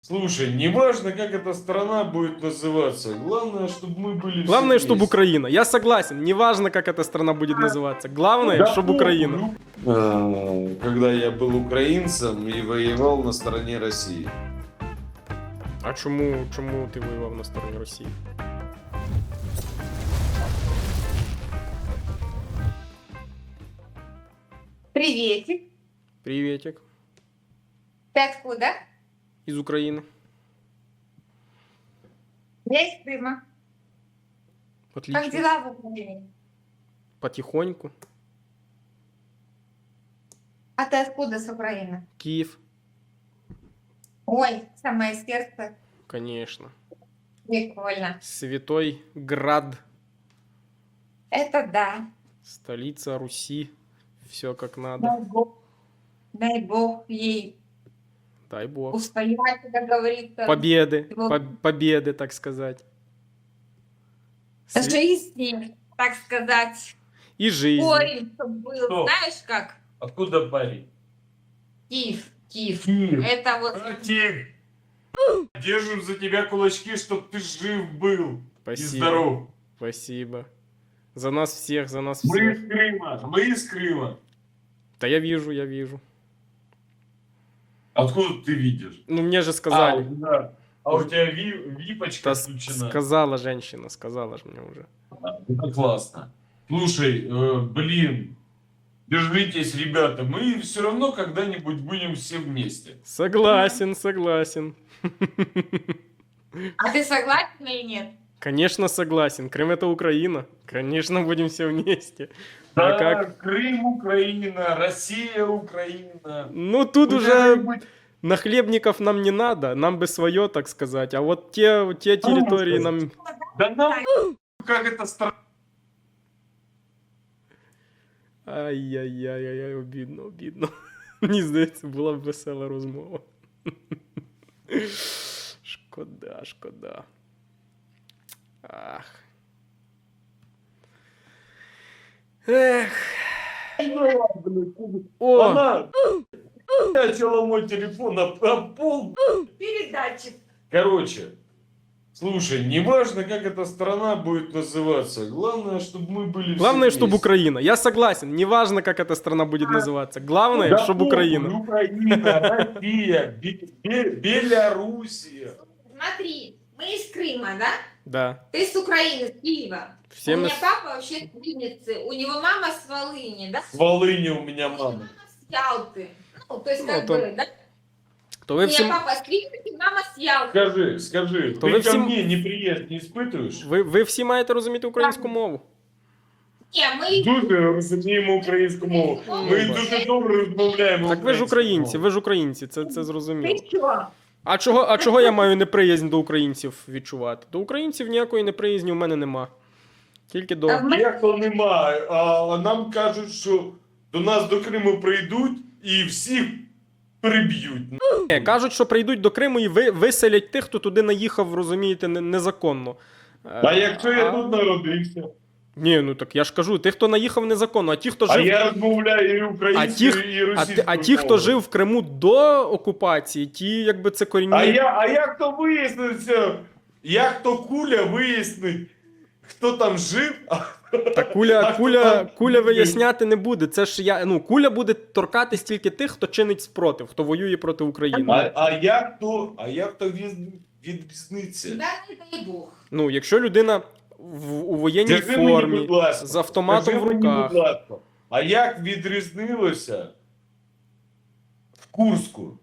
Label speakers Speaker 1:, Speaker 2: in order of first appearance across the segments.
Speaker 1: Слушай, неважно, как эта страна будет называться, главное, чтобы мы были
Speaker 2: Главное,
Speaker 1: все
Speaker 2: чтобы
Speaker 1: вместе.
Speaker 2: Украина. Я согласен. Неважно, как эта страна будет называться. Главное,
Speaker 1: Да
Speaker 2: чтобы Украина.
Speaker 1: похуй. Когда я был украинцем и воевал на стороне России.
Speaker 2: А чому ти воював на стороні Росії?
Speaker 3: Приветик.
Speaker 2: Приветик.
Speaker 3: Ты откуда?
Speaker 2: Із України.
Speaker 3: Я из Крыма. Как
Speaker 2: Отлично.
Speaker 3: дела в Украине?
Speaker 2: Потихоньку.
Speaker 3: А ты откуда с Украины?
Speaker 2: Київ.
Speaker 3: Ой, самое сердце.
Speaker 2: Конечно.
Speaker 3: Прикольно.
Speaker 2: Святой Град.
Speaker 3: Это да.
Speaker 2: Столица Руси. Все как надо.
Speaker 3: Дай Бог ей
Speaker 2: Дай бог.
Speaker 3: устоять, как говорится.
Speaker 2: Победы.
Speaker 3: Вот.
Speaker 2: Победы, так сказать.
Speaker 3: Жизни, так сказать.
Speaker 2: И жизнь.
Speaker 3: Корень чтоб был.
Speaker 1: Кто?
Speaker 3: Знаешь как?
Speaker 1: Откуда парень?
Speaker 3: Киев. Киев.
Speaker 1: Киев.
Speaker 3: Это вот...
Speaker 1: Братик, держим за тебя кулачки, чтоб ты жив был и
Speaker 2: Спасибо.
Speaker 1: здоров.
Speaker 2: Спасибо. За нас всех, за нас
Speaker 1: Мы
Speaker 2: всех.
Speaker 1: из Крыма, мы из Крыма.
Speaker 2: Да я вижу.
Speaker 1: Откуда ты видишь?
Speaker 2: Ну, мне же сказали.
Speaker 1: Да. А у тебя випочка
Speaker 2: Да
Speaker 1: включена.
Speaker 2: сказала женщина, сказала же мне уже.
Speaker 1: Это классно. Слушай, блин, держитесь, ребята. Мы все равно когда-нибудь будем все вместе.
Speaker 2: Согласен.
Speaker 3: А ты согласен или нет?
Speaker 2: Конечно, согласен. Крым это Украина. Конечно, будем все вместе. А
Speaker 1: Да,
Speaker 2: как?
Speaker 1: Крым, Украина, Россия, Украина.
Speaker 2: Ну, тут уже
Speaker 1: Куда-нибудь.
Speaker 2: нахлебников нам не надо. Нам бы свое, так сказать. А вот те территории нам...
Speaker 1: Да нам как это страна.
Speaker 2: Ай-яй-яй-яй, обідно. Мені здається, була б весела розмова. Шкода. Ах. Ех. О,
Speaker 1: Она начала мой телефон на пол.
Speaker 3: Передатчик.
Speaker 1: Короче, слушай, неважно, как эта страна будет называться, главное, чтобы мы были
Speaker 2: главное,
Speaker 1: все
Speaker 2: чтобы
Speaker 1: вместе.
Speaker 2: Украина. Я согласен. Неважно, как эта страна будет называться. Главное,
Speaker 1: Да
Speaker 2: чтобы
Speaker 1: похуй,
Speaker 2: Украина.
Speaker 1: Украина, Россия, Белоруссия.
Speaker 3: Смотри, мы из Крыма, да?
Speaker 2: Да.
Speaker 3: Ты с Украины, с Киева.
Speaker 2: Все
Speaker 3: У
Speaker 2: мы...
Speaker 3: меня папа вообще с Винницы, у него мама с Волыни, да?
Speaker 1: С Волыни у меня
Speaker 3: У меня
Speaker 1: мама.
Speaker 3: мама с Ялты. Ну, то есть
Speaker 2: Ну,
Speaker 3: как
Speaker 2: то-
Speaker 3: бы, да?
Speaker 2: То
Speaker 3: У
Speaker 2: ви
Speaker 3: меня
Speaker 2: всім...
Speaker 3: папа с Винницы, мама с Ялты.
Speaker 1: Скажи,
Speaker 2: То
Speaker 1: ты
Speaker 2: вы
Speaker 1: ко
Speaker 2: всем-
Speaker 1: мне неприязнь не испытываешь?
Speaker 2: Ви всі маєте розуміти українську мову.
Speaker 3: Не, мы...
Speaker 1: Дуже розуміємо українську мову. Ми
Speaker 2: Ну,
Speaker 1: дуже добре розмовляємо.
Speaker 2: Так ви ж
Speaker 1: українською
Speaker 2: українці, це зрозуміло.
Speaker 3: Ты чё?
Speaker 2: А чого я маю неприязнь до українців відчувати? До українців ніякої неприязні у мене нема. Тільки до...
Speaker 3: А в мене-
Speaker 1: Як то немає, а нам кажуть, що до нас до Криму прийдуть і всіх приб'ють.
Speaker 2: Кажуть, що прийдуть до Криму і виселять тих, хто туди наїхав, розумієте, незаконно.
Speaker 1: А якщо я тут народився?
Speaker 2: Ні, ну так я ж кажу, тих, хто наїхав незаконно, а ті, хто
Speaker 1: А
Speaker 2: жив...
Speaker 1: я розмовляю і українською, і російською.
Speaker 2: А ті, хто жив в Криму до окупації, ті, якби це корінні...
Speaker 1: А як то виясниться? Як то Куля вияснить, хто там жив?
Speaker 2: Та
Speaker 1: А хто там
Speaker 2: куля
Speaker 1: жив?
Speaker 2: виясняти не буде. Це ж куля буде торкатись тільки тих, хто чинить спротив, хто воює проти України.
Speaker 1: А як то відрізниться?
Speaker 3: Да не дай Бог.
Speaker 2: Ну, якщо людина у воєнній
Speaker 1: Скажи мені,
Speaker 2: формі,
Speaker 1: будь ласка,
Speaker 2: з автоматом
Speaker 1: скажи
Speaker 2: в
Speaker 1: мені,
Speaker 2: руках.
Speaker 1: будь ласка, а як відрізнилося в Курську?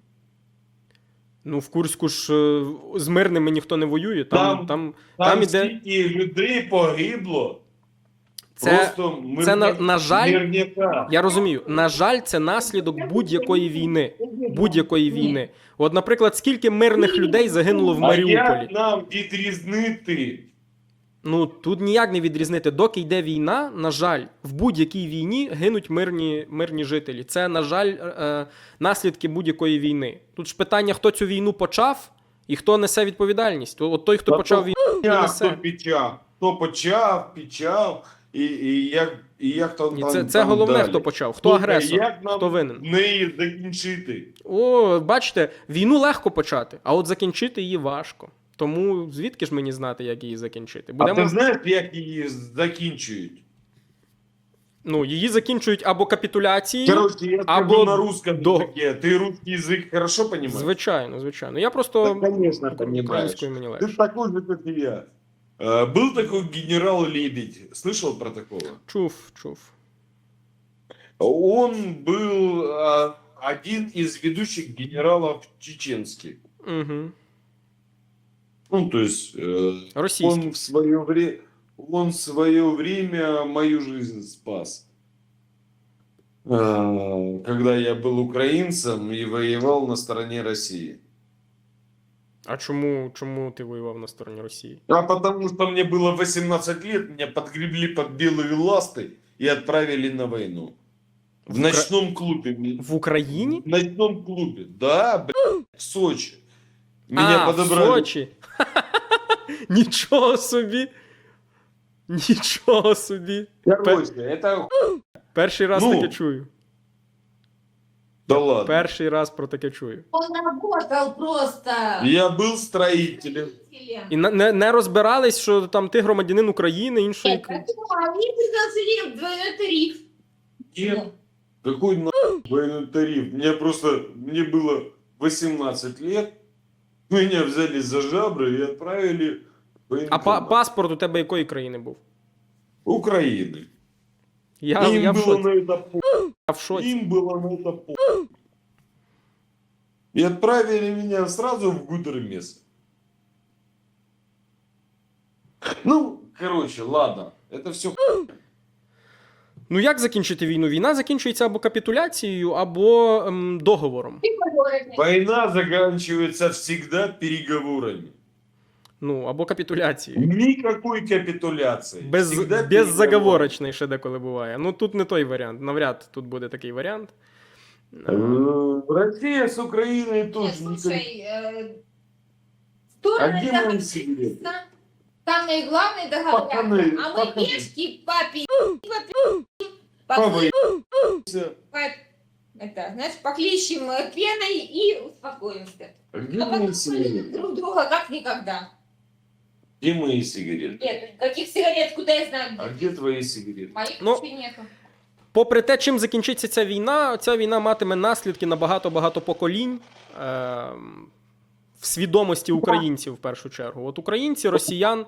Speaker 2: Ну, в Курську ж з мирними ніхто не воює. Там
Speaker 1: Там
Speaker 2: іде...
Speaker 1: стільки людей погибло.
Speaker 2: Це-
Speaker 1: Просто
Speaker 2: це, на жаль,
Speaker 1: мирняка.
Speaker 2: Я розумію, на жаль, це наслідок будь-якої війни. Будь-якої війни. От, наприклад, скільки мирних людей загинуло в
Speaker 1: А
Speaker 2: Маріуполі?
Speaker 1: як нам відрізнити?
Speaker 2: Ну, тут ніяк не відрізнити. Доки йде війна, на жаль, в будь-якій війні гинуть мирні жителі. Це, на жаль, наслідки будь-якої війни. Тут ж питання, хто цю війну почав і хто несе відповідальність. От той, хто
Speaker 1: Та
Speaker 2: почав
Speaker 1: то
Speaker 2: війну, не
Speaker 1: Хто
Speaker 2: несе.
Speaker 1: почав? Хто почав? як там...
Speaker 2: Ні,
Speaker 1: там
Speaker 2: це головне,
Speaker 1: далі.
Speaker 2: хто почав. Хто
Speaker 1: Слухай,
Speaker 2: агресор,
Speaker 1: як нам
Speaker 2: хто винен.
Speaker 1: неї закінчити?
Speaker 2: О, бачите, війну легко почати, а от закінчити її важко. Тому звідки ж мені знати, як її закінчити?
Speaker 1: А ти знаєш, як її закінчують?
Speaker 2: Ну, її закінчують або капітуляцією,
Speaker 1: Короче, я
Speaker 2: або
Speaker 1: скажу на русском
Speaker 2: до-
Speaker 1: языке. Ты русский язык хорошо понимаешь?
Speaker 2: звичайно, звичайно. Я просто
Speaker 1: Да, конечно, понимаешь.
Speaker 2: українською мені
Speaker 1: Ты
Speaker 2: легше.
Speaker 1: такой же, как и я. Был такой генерал Лебедь. Слышал про такого?
Speaker 2: Чув.
Speaker 1: Он был один из ведущих генералов чеченских.
Speaker 2: Угу.
Speaker 1: Ну, то есть
Speaker 2: Російський.
Speaker 1: он в свое время мою жизнь спас. Когда я был украинцем и воевал на стороне России.
Speaker 2: А чому ти воював на стороні Росії?
Speaker 1: А потому что мне было 18 лет, меня подгребли под белые ласты и отправили на войну. В ночном клубе.
Speaker 2: В Україні?
Speaker 1: В ночном клубе, да, блядь, в Сочи. Меня
Speaker 2: в
Speaker 1: подобрали.
Speaker 2: Сочі. Нічого собі. Нічого собі.
Speaker 1: Короче, это...
Speaker 2: Перший раз
Speaker 1: Ну.
Speaker 2: таке чую.
Speaker 1: Да ладно.
Speaker 2: Перший раз про таке чую.
Speaker 3: Он работал просто.
Speaker 1: Я был строителем.
Speaker 2: І не розбирались, що там ти громадянин України, іншої.
Speaker 3: Нет, они предложили двойной тариф.
Speaker 1: Нет. Какой нахуй военный тариф? Мне было 18 лет. Меня взяли за жабры и отправили в
Speaker 2: А
Speaker 1: военкомат.
Speaker 2: паспорт у тебе якої країни був?
Speaker 1: Украины.
Speaker 2: Я
Speaker 1: Им
Speaker 2: в
Speaker 1: было
Speaker 2: шоці.
Speaker 1: на это по...
Speaker 2: Я в шоці.
Speaker 1: Им было на это по... И отправили меня сразу в Гудермес. Ну, короче, ладно. Это все.
Speaker 2: Ну як закінчити війну? Війна закінчується або капітуляцією, або договором.
Speaker 1: Война заканчивается всегда переговорами.
Speaker 2: Ну, або капітуляцією.
Speaker 1: Никакой капитуляции. Всегда переговоры.
Speaker 2: Беззаговорочний ще деколи буває. Ну тут не той варіант. Навряд тут буде такий варіант.
Speaker 1: Россия с Украиной
Speaker 3: Нет,
Speaker 1: тоже
Speaker 3: слушай,
Speaker 1: А
Speaker 3: стороны
Speaker 1: где мои секреты?
Speaker 3: договорятся, там и главный договорятся,
Speaker 1: Пацаны,
Speaker 3: а мы
Speaker 1: пацаны.
Speaker 3: пешки папе,
Speaker 1: Папа,
Speaker 3: это, знаешь, поклещем пеной и успокоимся.
Speaker 1: А где
Speaker 3: А
Speaker 1: мои
Speaker 3: потом
Speaker 1: сигареты?
Speaker 3: полюбим друг друга как никогда.
Speaker 1: Где мои сигареты?
Speaker 3: Нет, каких сигарет, куда я знаю,
Speaker 1: А
Speaker 3: где.
Speaker 1: где твои сигареты?
Speaker 3: Моих
Speaker 2: Ну,
Speaker 3: вообще нету.
Speaker 2: Попри те, чим закінчиться ця війна матиме наслідки на багато-багато поколінь в свідомості українців в першу чергу. От українці, росіян.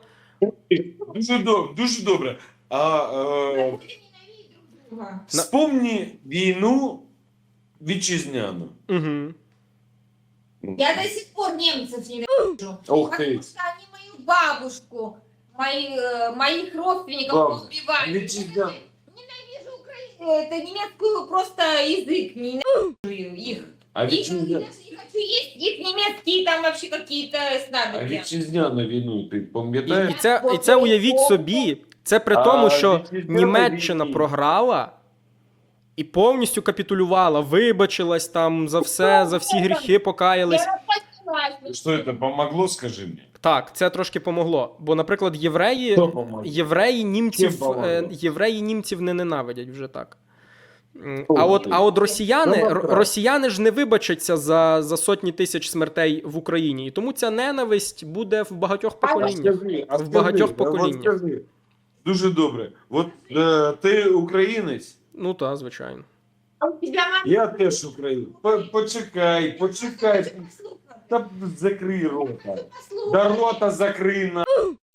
Speaker 1: Дуже добре.
Speaker 3: Будем ненавидеть друг друга.
Speaker 1: Вспомни війну вітчизняну.
Speaker 2: Угу.
Speaker 3: Я до сих пор немцев ненавижу.
Speaker 1: Ух
Speaker 3: Потому
Speaker 1: ты.
Speaker 3: что они мою бабушку, моих родственников
Speaker 1: Бабушка.
Speaker 3: убивали.
Speaker 1: Витязя.
Speaker 3: Ненавижу это немецкую просто язык, ненавижу их.
Speaker 1: А
Speaker 3: Их даже
Speaker 1: вітчизняну
Speaker 3: не хочу есть, их немецкие там вообще какие-то снадобья.
Speaker 1: вітчизняну війну ти пам'ятаєш?
Speaker 2: І це уявіть собі, це при тому, що
Speaker 1: вітчизняна
Speaker 2: Німеччина
Speaker 1: війна.
Speaker 2: програла і повністю капітулювала, вибачилась там за все, за всі гріхи покаялись.
Speaker 3: Я распозналась.
Speaker 1: Що це помогло, скажи мені?
Speaker 2: Так, це трошки помогло. Бо, наприклад,
Speaker 1: Хто помогло?
Speaker 2: євреї німців не ненавидять вже так.
Speaker 1: О,
Speaker 2: А от росіяни,
Speaker 1: Ну, добре.
Speaker 2: росіяни ж не вибачаться за сотні тисяч смертей в Україні. І тому ця ненависть буде в багатьох поколіннях. В багатьох поколіннях.
Speaker 1: Скажи. Дуже добре. От ти українець,
Speaker 2: Ну так, звичайно.
Speaker 3: А у тебя мама
Speaker 1: я теж українець. Почекай.
Speaker 3: слухай.
Speaker 1: Та закрий рота.
Speaker 3: Послухай.
Speaker 1: Да рота закрий на.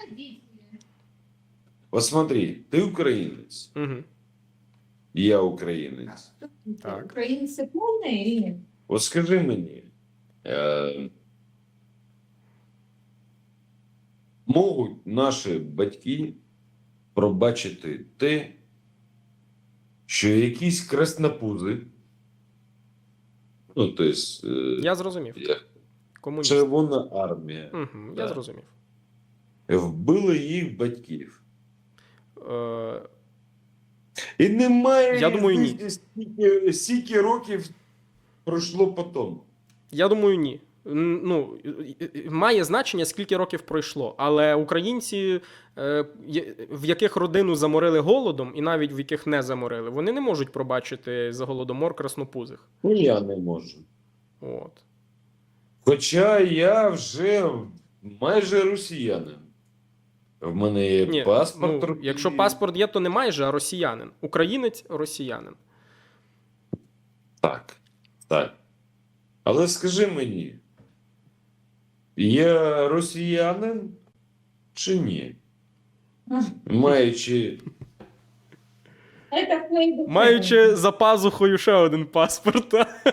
Speaker 1: Вот смотри, ти українець,
Speaker 2: Угу.
Speaker 1: я українець.
Speaker 2: Так.
Speaker 3: Украинцы полные или нет?
Speaker 1: От скажи мені, можуть наші батьки пробачити те, що якісь краснопузи, ну, тобто,
Speaker 2: Я зрозумів. Комуніст.
Speaker 1: Червона армія,
Speaker 2: Угу,
Speaker 1: Да.
Speaker 2: я зрозумів.
Speaker 1: вбили їх батьків.
Speaker 2: Е,
Speaker 1: І немає
Speaker 2: Я думаю, ні.
Speaker 1: стільки років пройшло потім.
Speaker 2: Я думаю, ні. Ну, має значення, скільки років пройшло. Але українці, в яких родину заморили голодом, і навіть в яких не заморили, вони не можуть пробачити за голодомор краснопузих.
Speaker 1: Ну, я не можу.
Speaker 2: От.
Speaker 1: Хоча я вже майже росіянин. В мене є
Speaker 2: Ні,
Speaker 1: паспорт.
Speaker 2: ну, якщо паспорт є, то не майже, а росіянин. Українець – росіянин.
Speaker 1: Так. Так. Але скажи мені, я росіянин чи ні? Маючи.
Speaker 3: Это твои
Speaker 2: Маючи за пазухою ще один паспорт.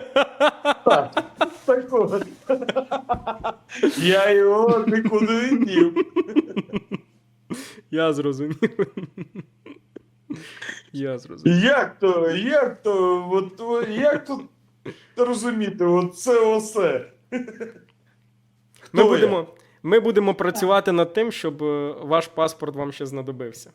Speaker 1: Так от. Я його нікуди не дів.
Speaker 2: Я зрозумів. Я зрозумів.
Speaker 1: Як тут розуміти, от це осе?
Speaker 2: Ми
Speaker 1: Хто я?
Speaker 2: будемо працювати над тим, щоб ваш паспорт вам ще знадобився.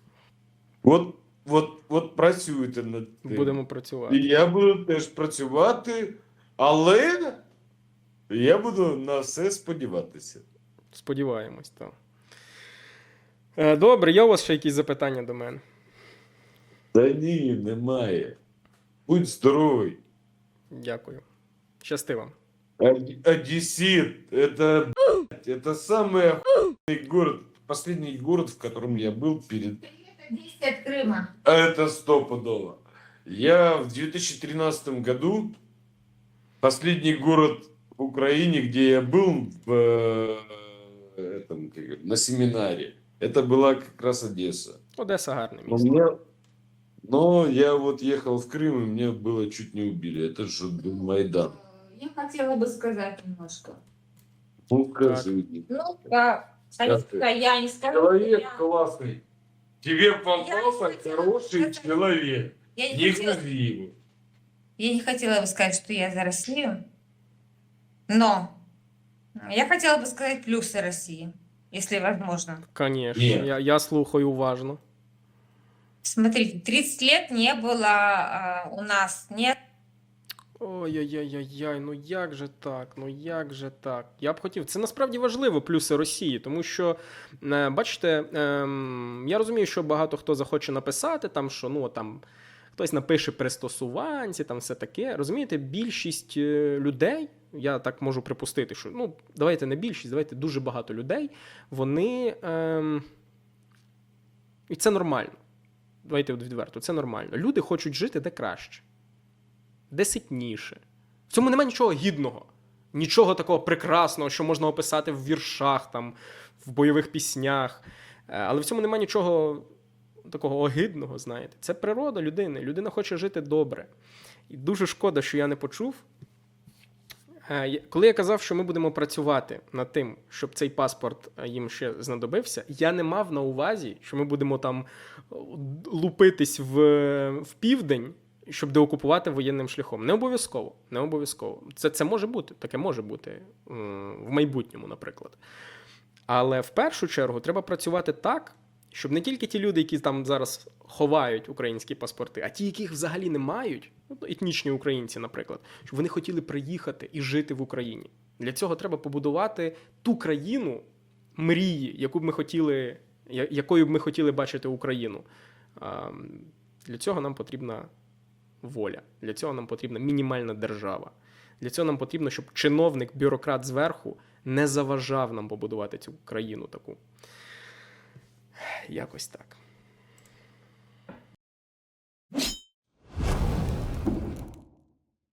Speaker 1: От працюйте над тим.
Speaker 2: Будемо працювати.
Speaker 1: І я буду теж працювати, але я буду на все сподіватися.
Speaker 2: Сподіваємось, так. Добре, є у вас ще якісь запитання до мене?
Speaker 1: Та ні, немає. Будь здоровий.
Speaker 2: Дякую. Щасти вам.
Speaker 1: Одессит, это самый охуенный город, последний город, в котором я был перед...
Speaker 3: Это 10 от Крыма.
Speaker 1: Это стопудово. Я в 2013 году, последний город в Украине, где я был на семинаре, это была как раз Одесса.
Speaker 2: Одеса гарне
Speaker 1: Но,
Speaker 2: місто.
Speaker 1: но я вот ехал в Крым, и меня было чуть не убили. Это же был Майдан.
Speaker 3: Я хотела бы сказать немножко.
Speaker 1: Ну, скажи.
Speaker 3: Ну, да, Алиска, я не скажу.
Speaker 1: Человек
Speaker 3: я-
Speaker 1: классный. Тебе попался
Speaker 3: не хотела
Speaker 1: хороший
Speaker 3: сказать.
Speaker 1: человек.
Speaker 3: Я не
Speaker 1: Не
Speaker 3: хотела-
Speaker 1: гнози его.
Speaker 3: Я не хотела бы сказать, что я за Россию, но я хотела бы сказать плюсы России, если возможно.
Speaker 2: Звісно,
Speaker 1: Ні.
Speaker 2: я слухаю уважно.
Speaker 3: Смотрите, 30 лет не было у нас нет.
Speaker 2: Ой-ой-ой-ой, ну як же так? Ну як же так? Я б хотів. Це насправді важливо, плюси Росії, тому що, бачите, я розумію, що багато хто захоче написати, там, що ну там хтось напише пристосуванці, там все таке. Розумієте, більшість людей, я так можу припустити, що ну давайте не більшість, давайте дуже багато людей, вони. І це нормально. Давайте відверто, це нормально. Люди хочуть жити де краще. Де ситніше. В цьому немає нічого гідного, нічого такого прекрасного, що можна описати в віршах, там, в бойових піснях. Але в цьому немає нічого такого огидного, знаєте. Це природа людини. Людина хоче жити добре. І дуже шкода, що я не почув. Коли я казав, що ми будемо працювати над тим, щоб цей паспорт їм ще знадобився, я не мав на увазі, що ми будемо там лупитись в південь, щоб деокупувати воєнним шляхом. Не обов'язково. Не обов'язково. Це може бути, таке може бути в майбутньому, наприклад. Але в першу чергу треба працювати так, щоб не тільки ті люди, які там зараз ховають українські паспорти, а ті, яких взагалі не мають, етнічні українці, наприклад, щоб вони хотіли приїхати і жити в Україні. Для цього треба побудувати ту країну мрії, якою б ми хотіли бачити Україну. Для цього нам потрібна воля. Для цього нам потрібна мінімальна держава. Для цього нам потрібно, щоб чиновник, бюрократ зверху не заважав нам побудувати цю країну таку. Якось так.